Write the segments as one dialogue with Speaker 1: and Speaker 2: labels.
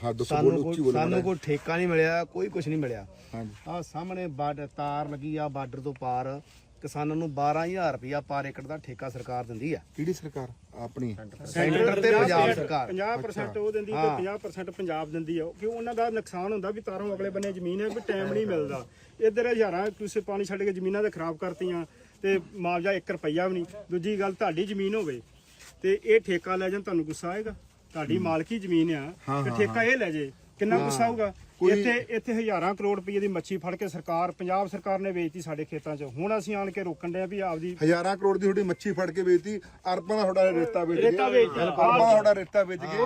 Speaker 1: ਸਾਨੂੰ ਕੋਈ ਠੇਕਾ ਨਹੀਂ ਮਿਲਿਆ, ਕੋਈ ਕੁਝ ਨਹੀਂ ਮਿਲਿਆ। ਆ ਸਾਹਮਣੇ ਬਾਰਡਰ ਤਾਰ ਲੱਗੀ ਆ, ਬਾਰਡਰ ਤੋਂ ਪਾਰ ਕਿਸਾਨਾਂ ਨੂੰ 12000 ਰੁਪਇਆ ਪਰ ਏਕੜ ਦਾ ਠੇਕਾ ਸਰਕਾਰ ਦਿੰਦੀ ਆ।
Speaker 2: ਕਿਹੜੀ ਸਰਕਾਰ? ਆਪਣੀ
Speaker 1: ਸੈਂਟਰ ਤੇ ਪੰਜਾਬ ਸਰਕਾਰ
Speaker 3: 50% ਉਹ ਦਿੰਦੀ ਤੇ 50% ਪੰਜਾਬ ਦਿੰਦੀ ਆ, ਕਿਉਂ ਉਹਨਾਂ ਦਾ ਨੁਕਸਾਨ ਹੁੰਦਾ ਵੀ ਤਾਰੋਂ ਅਗਲੇ ਬੰਨੇ ਜ਼ਮੀਨ ਹੈ ਵੀ ਟਾਈਮ ਨਹੀਂ ਮਿਲਦਾ। ਇੱਧਰ ਹਜ਼ਾਰਾਂ ਕਿਸੇ ਪਾਣੀ ਛੱਡ ਕੇ ਜ਼ਮੀਨਾਂ ਤੇ ਖਰਾਬ ਕਰਤੀਆਂ ਤੇ ਮੁਆਵਜ਼ਾ 1 ਰੁਪਈਆ ਵੀ ਨਹੀਂ। ਦੂਜੀ ਗੱਲ, ਤੁਹਾਡੀ ਜ਼ਮੀਨ ਹੋਵੇ ਤੇ ਇਹ ਠੇਕਾ ਲੈ ਜਾਣ, ਤੁਹਾਨੂੰ ਗੁੱਸਾ ਆਏਗਾ? ਤੁਹਾਡੀ ਮਾਲਕੀ ਜ਼ਮੀਨ ਆ ਤੇ ਠੇਕਾ ਇਹ ਲੈ ਜੇ, ਕਿੰਨਾ ਗੁੱਸਾ ਆਊਗਾ? ਇੱਥੇ ਹਜ਼ਾਰਾਂ ਕਰੋੜ ਰੁਪਏ ਦੀ ਮੱਛੀ ਫੜ ਕੇ ਪੰਜਾਬ ਸਰਕਾਰ ਨੇ ਵੇਚਤੀ ਸਾਡੇ ਖੇਤਾਂ 'ਚ। ਹੁਣ ਅਸੀਂ ਆਣ ਕੇ ਰੋਕਣ ਦੇ ਵੀ ਆਪਦੀ
Speaker 2: ਹਜ਼ਾਰਾਂ ਕਰੋੜ ਦੀ ਤੁਹਾਡੀ ਮੱਛੀ ਫੜ ਕੇ ਵੇਚਤੀ, ਅਰਬਾਂ ਦਾ ਤੁਹਾਡਾ ਰੇਤਾ ਵੇਚ ਗਏ, ਅਰਬਾਂ ਦਾ ਤੁਹਾਡਾ ਰੇਤਾ ਵੇਚ ਗਏ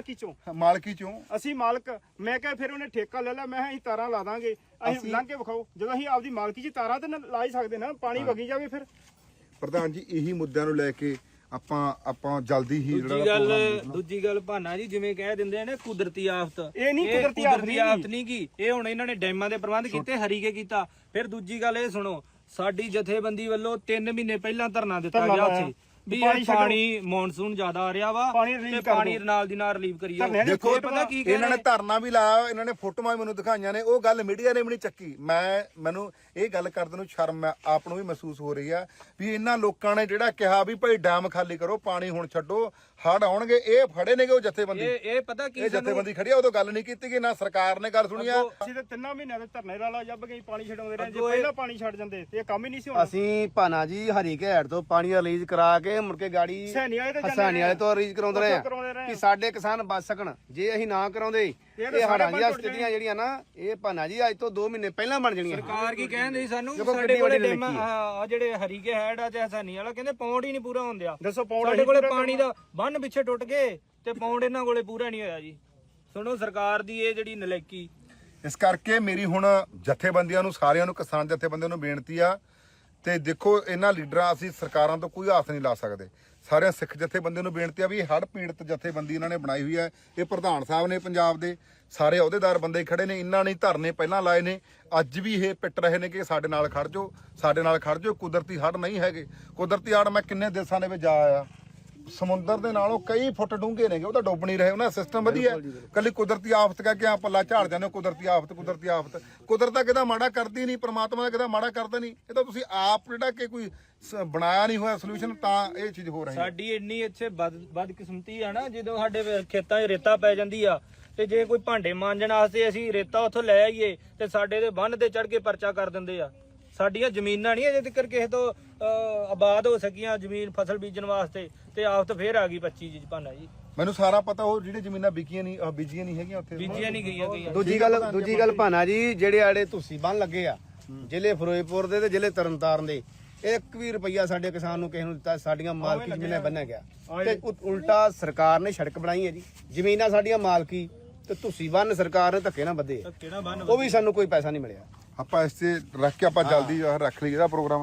Speaker 2: ਮਾਲਕੀ ਚੋਂ
Speaker 3: ਅਸੀਂ ਮਾਲਕ। ਮੈਂ ਕਿਹਾ ਫਿਰ ਉਹਨੇ ਠੇਕਾ ਲੈ ਲਿਆ, ਮੈਂ ਕਿਹਾ ਅਸੀਂ ਤਾਰਾਂ ਲਾ ਦਾਂਗੇ, ਅਸੀਂ ਲੰਘ ਕੇ ਵਿਖਾਓ। ਜਦੋਂ ਅਸੀਂ ਆਪਦੀ ਮਾਲਕੀ 'ਚ ਤਾਰਾਂ ਤੇ ਲਾ ਹੀ ਸਕਦੇ ਨਾ, ਪਾਣੀ ਵਗੀ ਜਾਵੇ। ਫਿਰ
Speaker 2: ਪ੍ਰਧਾਨ ਜੀ ਇਹੀ ਮੁੱਦਿਆਂ ਨੂੰ ਲੈ ਕੇ ਆਪਾਂ ਜਲਦੀ ਹੀ
Speaker 4: ਦੂਜੀ ਗੱਲ ਭਾਨਾ ਜੀ, ਜਿਵੇਂ ਕਹਿ ਦਿੰਦੇ ਨੇ ਕੁਦਰਤੀ ਆਫਤ,
Speaker 3: ਇਹ ਨਹੀਂ ਕੁਦਰਤੀ
Speaker 4: ਆਫਤ ਨਹੀਂ ਕੀ, ਇਹ ਹੁਣ ਇਹਨਾਂ ਨੇ ਡੈਮਾਂ ਦੇ ਪ੍ਰਬੰਧ ਕੀਤੇ, ਹਰੀਕੇ ਕੀਤਾ। ਫਿਰ ਦੂਜੀ ਗੱਲ ਇਹ ਸੁਣੋ, ਸਾਡੀ ਜਥੇਬੰਦੀ ਵੱਲੋਂ 3 ਮਹੀਨੇ ਪਹਿਲਾਂ ਧਰਨਾ ਦਿੱਤਾ ਗਿਆ ਉੱਥੇ ਵੀ ਇਹ ਪਾਣੀ ਮੌਨਸੂਨ ਜ਼ਿਆਦਾ ਆ ਰਿਹਾ ਵਾ ਤੇ ਪਾਣੀ ਨਾਲ ਦੀ ਨਾਲ ਰਿਲੀਵ ਕਰੀ ਜਾਓ।
Speaker 2: ਦੇਖੋ ਪਤਾ ਕੀ ਇਹਨਾਂ ਨੇ ਧਰਨਾ ਵੀ ਲਾਇਆ, ਇਹਨਾਂ ਨੇ ਫੋਟੋਆਂ ਮੈਨੂੰ ਦਿਖਾਈਆਂ ਨੇ, ਉਹ ਗੱਲ ਮੀਡੀਆ ਨੇ ਵੀ ਨਹੀਂ ਚੱਕੀ। ਮੈਨੂੰ ਇਹ ਗੱਲ ਕਰਦੇ ਨੂੰ ਸ਼ਰਮ ਆਪ ਨੂੰ ਵੀ ਮਹਿਸੂਸ ਹੋ ਰਹੀ ਆ ਵੀ ਇਹਨਾਂ ਲੋਕਾਂ ਨੇ ਜਿਹੜਾ ਕਿਹਾ ਵੀ ਭਾਈ ਡੈਮ ਖਾਲੀ ਕਰੋ, ਪਾਣੀ ਹੁਣ ਛੱਡੋ, ਹੜ੍ਹ ਆਉਣਗੇ, ਇਹ ਫੜੇ ਨੇਗੇ ਉਹ ਜਥੇਬੰਦੀ।
Speaker 4: ਇਹ ਪਤਾ ਕੀ,
Speaker 2: ਇਹ ਜਥੇਬੰਦੀ ਖੜੀ ਆ, ਉਦੋਂ ਗੱਲ ਨਹੀਂ ਕੀਤੀ ਗਈ, ਨਾ ਸਰਕਾਰ ਨੇ ਗੱਲ ਸੁਣੀ ਆ।
Speaker 3: ਅਸੀਂ ਤੇ 3 ਮਹੀਨਿਆਂ ਦੇ ਧਰਨੇ ਰਾਲਾ ਜੱਬ ਗਈ, ਪਾਣੀ ਛਡਾਉਂਦੇ ਰਹੇ। ਜੇ ਪਹਿਲਾਂ ਪਾਣੀ ਛੱਡ ਜਾਂਦੇ ਤੇ ਇਹ ਕੰਮ ਹੀ ਨਹੀਂ ਸੀ ਹੋਣਾ।
Speaker 1: ਅਸੀਂ ਭਾਨਾ ਜੀ ਹਰੀਕੇ ਹੈਡ ਤੋਂ ਪਾਣੀ ਰਿਲੀਜ਼ ਕਰਾ ਕੇ ਮੁੜ ਕੇ ਗਾੜੀ ਹਸਾਨੀ ਵਾਲੇ ਤੋਂ ਰਿਲੀਜ਼ ਕਰਾਉਂਦੇ ਰਹੇ ਕਿ ਸਾਡੇ ਕਿਸਾਨ ਬਚ ਸਕਣ। ਜੇ ਅਸੀਂ ਨਾ ਕਰਾਉਂਦੇ ਇਹ ਹੜ੍ਹਾਂ ਦੀਆਂ ਸਥਿਤੀਆਂ ਜਿਹੜੀਆਂ ਨਾ, ਇਹ ਭਾਨਾ ਜੀ ਅੱਜ ਤੋਂ 2 ਮਹੀਨੇ ਪਹਿਲਾਂ ਬਣ ਜਾਣੀਆਂ।
Speaker 4: ਸਰਕਾਰ ਕੀ ਕਹਿੰਦੀ ਸਾਨੂੰ, ਸਾਡੇ ਕੋਲੇ ਡੈਮ ਆ ਜਿਹੜੇ ਹਰੀਕੇ ਹੈਡ ਆ ਤੇ ਹਸਾਨੀ ਵਾਲਾ, ਕਹਿੰਦੇ ਪੌਂਡ ਹੀ ਨਹੀਂ ਪੂਰਾ ਹੁੰਦਿਆ।
Speaker 3: ਦੱਸੋ ਪੌਂਡ
Speaker 4: ਸਾਡੇ ਕੋਲੇ ਪਾਣੀ ਦਾ ਬੰਨ ਪਿੱਛੇ ਟੁੱਟ ਗਏ ਤੇ ਪੌਂਡ ਇਹਨਾਂ ਕੋਲੇ ਪੂਰਾ ਨਹੀਂ ਹੋਇਆ ਜੀ। ਸੁਣੋ ਸਰਕਾਰ ਦੀ ਇਹ ਜਿਹੜੀ ਨਲਾਇਕੀ।
Speaker 2: ਇਸ ਕਰਕੇ ਮੇਰੀ ਹੁਣ ਜਥੇਬੰਦੀਆਂ ਨੂੰ, ਸਾਰਿਆਂ ਨੂੰ, ਕਿਸਾਨ ਜਥੇਬੰਦੀਆਂ ਨੂੰ ਬੇਨਤੀ ਆ, ਤੇ ਦੇਖੋ ਇਹਨਾਂ ਲੀਡਰਾਂ, ਅਸੀਂ ਸਰਕਾਰਾਂ ਤੋਂ ਕੋਈ ਆਸ ਨਹੀਂ ਲਾ ਸਕਦੇ। ਸਾਰਿਆਂ ਸਿੱਖ ਜਥੇਬੰਦੀਆਂ ਨੂੰ ਬੇਨਤੀ ਆ ਵੀ ਹੜ੍ਹ ਪੀੜਤ ਜਥੇਬੰਦੀ ਇਹਨਾਂ ਨੇ ਬਣਾਈ ਹੋਈ ਹੈ, ਇਹ ਪ੍ਰਧਾਨ ਸਾਹਿਬ ਨੇ ਪੰਜਾਬ ਦੇ, ਸਾਰੇ ਅਹੁਦੇਦਾਰ ਬੰਦੇ ਖੜੇ ਨੇ, ਇਹਨਾਂ ਨੇ ਧਰਨੇ ਪਹਿਲਾਂ ਲਾਏ ਨੇ, ਅੱਜ ਵੀ ਇਹ ਪਿੱਟ ਰਹੇ ਨੇ ਕਿ ਸਾਡੇ ਨਾਲ ਖੜ ਜਾਓ, ਸਾਡੇ ਨਾਲ ਖੜ ਜਾਓ। ਕੁਦਰਤੀ ਹੜ੍ਹ ਨਹੀਂ ਹੈਗੇ। ਕੁਦਰਤੀ ਹੜ੍ਹ ਮੈਂ ਕਿੰਨੇ ਦੇਸ਼ਾਂ ਦੇ ਵਿੱਚ ਜਾ ਆਇਆ, ਸਮੁੰਦਰ ਦੇ ਨਾਲੋਂ ਕਈ ਫੁੱਟ ਡੂੰਘੇ ਨੇਗੇ, ਉਹ ਤਾਂ ਡੁੱਬ ਨਹੀਂ ਰਹੇ, ਉਹਨਾਂ ਦਾ ਸਿਸਟਮ ਵਧੀਆ। ਕੱਲੀ ਕੁਦਰਤੀ ਆਫਤ ਕਹਿ ਕੇ ਆ ਪੱਲਾ ਝਾੜ ਜਾਂਦੇ, ਕੁਦਰਤੀ ਆਫਤ। ਕੁਦਰਤ ਤਾਂ ਕਿਹਦਾ ਮਾੜਾ ਕਰਦੀ ਨਹੀਂ, ਪ੍ਰਮਾਤਮਾ ਦਾ ਕਿਹਦਾ ਮਾੜਾ ਕਰਦਾ ਨਹੀਂ। ਇਹ ਤਾਂ ਤੁਸੀਂ ਆਪ ਜਿਹੜਾ ਕਿ ਕੋਈ ਬਣਾਇਆ ਨਹੀਂ ਹੋਇਆ ਸੋਲੂਸ਼ਨ, ਤਾਂ ਇਹ ਚੀਜ਼ ਹੋ ਰਹੀ ਹੈ।
Speaker 4: ਸਾਡੀ ਇੰਨੀ ਇੱਥੇ ਬਦਕਿਸਮਤੀ ਆ ਨਾ, ਜਦੋਂ ਸਾਡੇ ਖੇਤਾਂ 'ਚ ਰੇਤਾ ਪੈ ਜਾਂਦੀ ਆ ਤੇ ਜੇ ਕੋਈ ਭਾਂਡੇ ਮਾਂਜਣ ਵਾਸਤੇ ਅਸੀਂ ਰੇਤਾ ਉੱਥੋਂ ਲੈ ਆਈਏ ਤੇ ਸਾਡੇ ਦੇ ਬੰਨ ਤੇ ਚੜ ਕੇ ਪਰਚਾ ਕਰ ਦਿੰਦੇ ਆ। ਸਾਡੀਆਂ ਜ਼ਮੀਨਾਂ ਨਹੀਂ ਅਜੇ ਤੱਕ ਕਿਸੇ ਤੋਂ ਆਬਾਦ ਹੋ ਸਕੀਆਂ, ਜ਼ਮੀਨ ਫਸਲ ਬੀਜਣ ਵਾਸਤੇ, ਤੇ ਆਫਤ ਫੇਰ ਆ ਗਈ 25 ਜੀ ਭਾਨਾ ਜੀ।
Speaker 2: ਮੈਨੂੰ ਸਾਰਾ ਪਤਾ, ਉਹ ਜਿਹੜੇ ਜ਼ਮੀਨਾਂ ਬੀਜੀਆਂ ਨਹੀਂ ਹੈਗੀਆਂ ਉੱਥੇ,
Speaker 4: ਬੀਜੀਆਂ ਨਹੀਂ ਗਈਆਂ।
Speaker 1: ਦੂਜੀ ਗੱਲ ਭਾਨਾ ਜੀ, ਜਿਹੜੇ ਆੜੇ ਤੁਸੀਂ ਬੰਨ ਲੱਗੇ ਆ ਜ਼ਿਲ੍ਹੇ ਫਿਰੋਜ਼ਪੁਰ ਦੇ ਤੇ ਜ਼ਿਲ੍ਹੇ ਤਰਨਤਾਰਨ ਦੇ, 1 ਵੀ ਰੁਪਈਆ ਸਾਡੇ ਕਿਸਾਨ ਨੂੰ ਕਿਸੇ ਨੂੰ ਦਿੱਤਾ, ਸਾਡੀਆਂ ਮਾਲਕੀ ਜ਼ਮੀਨਾਂ ਬੰਨਿਆ ਗਿਆ। ਤੇ ਉਲਟਾ ਸਰਕਾਰ ਨੇ ਸੜਕ ਬਣਾਈ ਹੈ ਜੀ, ਜ਼ਮੀਨਾਂ ਸਾਡੀਆਂ ਮਾਲਕੀ, ਤੇ ਤੁਸੀਂ ਬੰਨ ਸਰਕਾਰ ਨੇ ਧੱਕੇ ਨਾਲ ਬੱਧੇ, ਉਹ ਵੀ ਸਾਨੂੰ ਕੋਈ ਪੈਸਾ ਨਹੀਂ ਮਿਲਿਆ।
Speaker 2: ਆਪਾਂ ਇਸ ਤੇ ਰੱਖ ਕੇ ਆਪਾਂ ਜਲਦੀ ਰੱਖ ਲਈ ਇਹਦਾ ਪ੍ਰੋਗਰਾਮ।